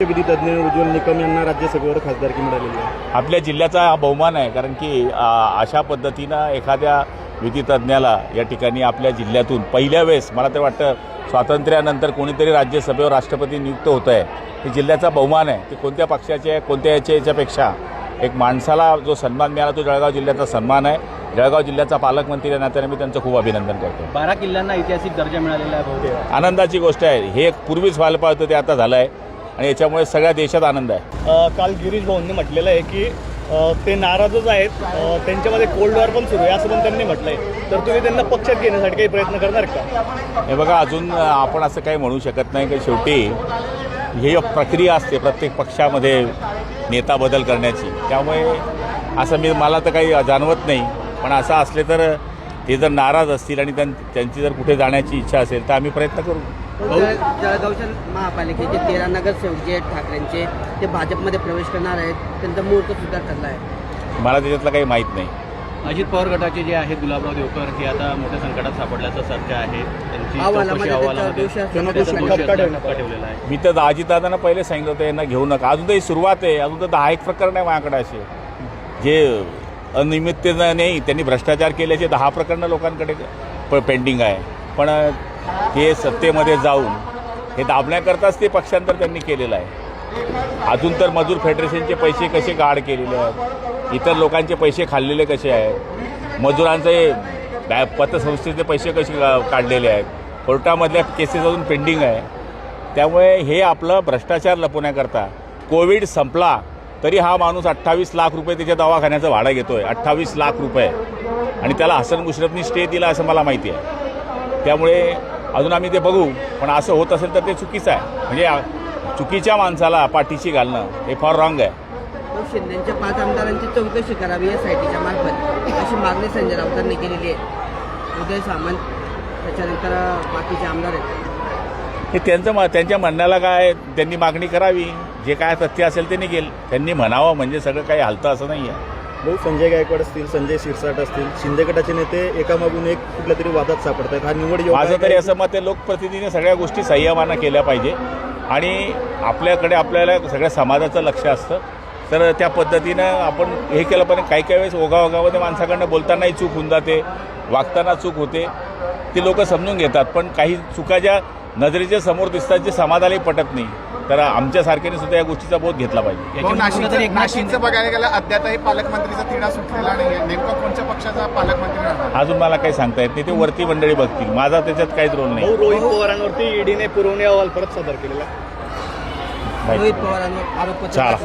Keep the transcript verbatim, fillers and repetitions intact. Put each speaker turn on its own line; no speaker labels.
विधी तज्ज्ञ उज्ज्वल निकम यांना राज्यसभेवर खासदारकी मिळालेली आहे.
आपल्या जिल्ह्याचा हा बहुमान आहे, कारण की आ, अशा पद्धतीनं एखाद्या विधितज्ञाला या ठिकाणी आपल्या जिल्ह्यातून पहिल्या वेळेस मला तर वाटतं स्वातंत्र्यानंतर कोणीतरी राज्यसभेवर राष्ट्रपती नियुक्त होत आहे. हे जिल्ह्याचा बहुमान आहे. ते कोणत्या पक्षाचे आहे कोणत्या याच्या याच्यापेक्षा एक माणसाला जो सन्मान मिळाला तो जळगाव जिल्ह्याचा सन्मान आहे. जळगाव जिल्ह्याचा पालकमंत्री या नात्याने मी त्यांचं खूप अभिनंदन करतो.
बारा किल्ल्यांना ऐतिहासिक दर्जा मिळालेला आहे.
आनंदाची गोष्ट आहे. हे पूर्वीच व्हायला पाहिजे होतं, ते आता झालं आहे आणि याच्यामुळे सगळ्या देशात आनंद आहे.
काल गिरीश भाऊंनी म्हटलेलं आहे की अ, ते नाराजच आहेत, अ, त्यांच्यामध्ये कोल्ड वॉर पण सुरू आहे असं पण त्यांनी म्हटलं आहे. तर तुम्ही त्यांना पक्षात घेण्यासाठी काही प्रयत्न करणार का?
हे बघा, अजून आपण असं काही म्हणू शकत नाही की शेवटी ही प्रक्रिया असते प्रत्येक पक्षामध्ये नेता बदल करण्याची. त्यामुळे असं मी मला तर काही जाणवत नाही. पण असं असले तर ते जर नाराज असतील आणि त्यां त्यांची जर कुठे जाण्याची इच्छा असेल तर आम्ही प्रयत्न करू.
जळगावच्या महापालिकेचे तेरा नगरसेवक जे आहेत ठाकरेंचे ते भाजपमध्ये प्रवेश करणार आहेत. त्यांचा मुहूर्त सुद्धा ठरला आहे.
मला त्याच्यातलं काही माहीत नाही.
अजित पवार गटाचे जे आहेत गुलाबराव देवकर हे आता मोठ्या संकटात सापडल्याचं चर्चा आहे. त्यांची
अहवालामध्ये
चौकशी
त्याच्यावर
अहवालामध्ये
दोषी असल्यानं
त्याचा
दोषी
दोषी
ठपका
असल्यानं ठपका ठेवलेला आहे.
मी तर अजितदादांना पहिले सांगितलं होतं यांना घेऊ नका. अजून तर ही सुरुवात आहे. अजून तर दहा एक प्रकरण आहे माझ्याकडे असे जे अनियमिततेनं नाही, त्यांनी भ्रष्टाचार केल्याचे दहा प्रकरणं लोकांकडे प पेंडिंग आहे. पण हे सत्तेमध्ये जाऊन हे दाबण्याकरताच ते पक्षांतर त्यांनी केलेलं आहे. अजून तर मजूर फेडरेशनचे पैसे कसे गाड केलेले आहेत, इतर लोकांचे पैसे खाल्लेले कसे आहेत, मजुरांचे बॅ पतसंस्थेचे पैसे कसे काढलेले आहेत, कोर्टामधल्या केसेस अजून पेंडिंग आहे. त्यामुळे हे आपलं भ्रष्टाचार लपवण्याकरता कोविड संपला तरी हा माणूस अठ्ठावीस लाख रुपये त्याच्या दवाखान्याचं भाडं घेतो आहे. अठ्ठावीस लाख रुपये आणि त्याला हसन मुश्रफनी स्टे दिला असं मला माहिती आहे. त्यामुळे अजून आम्ही ते बघू. पण असं होत असेल तर ते चुकीचं आहे. म्हणजे चुकीच्या माणसाला पाठीशी घालणं हे फार रॉंग आहे.
शिंदेच्या पाच आमदारांची चौकशी करावी या सायटीच्या मार्फत अशी मागणी संजय राऊतांनी केलेली आहे. उदय सामंत त्याच्यानंतर बाकीचे आमदार आहेत.
हे त्यांचं म त्यांच्या म्हणण्याला काय, त्यांनी मागणी करावी. जे काय तथ्य असेल ते निघेल. त्यांनी म्हणावं म्हणजे सगळं काही हलतं असं नाही आहे.
भाऊ, संजय गायकवाड असतील, संजय शिरसाट असतील, शिंदे गटाचे नेते एकामागून एक कुठल्या तरी वादात सापडत आहेत. हा निवड योग्य आहे
माझं तरी
का?
असं मत आहे, लोकप्रतिनिधीने सगळ्या गोष्टी संयमानं केल्या पाहिजे आणि आपल्याकडे आपल्याला सगळ्या समाजाचं लक्ष असतं. तर त्या पद्धतीनं आपण हे केलं पाहिजे. काही काही वेळेस ओघाओघामध्ये माणसाकडनं बोलतानाही चूक होऊन जाते, वागताना चूक होते, ती लोक समजून घेतात. पण काही चुका ज्या नजरेच्या समोर दिसतात जे समाजालाही पटत नाही, तर आमच्यासारख्याने सुद्धा या गोष्टीचा बोध घेतला पाहिजे.
नाशिकचं नाशिकचं बघायला गेलं अद्यापही पालकमंत्रीचा तिढा सुटलेला नाही. नेमका कोणत्या पक्षाचा पालकमंत्री राहणार?
अजून मला काही सांगता येत नाही. ते वरती मंडळी बघतील. माझा त्याच्यात काहीच रोल नाही.
भाऊ, रोहित पवारांवरती ईडीने पुरवणी अहवाल परत सादर केलेला.
रोहित पवारांवर आरोपपत्र
चला.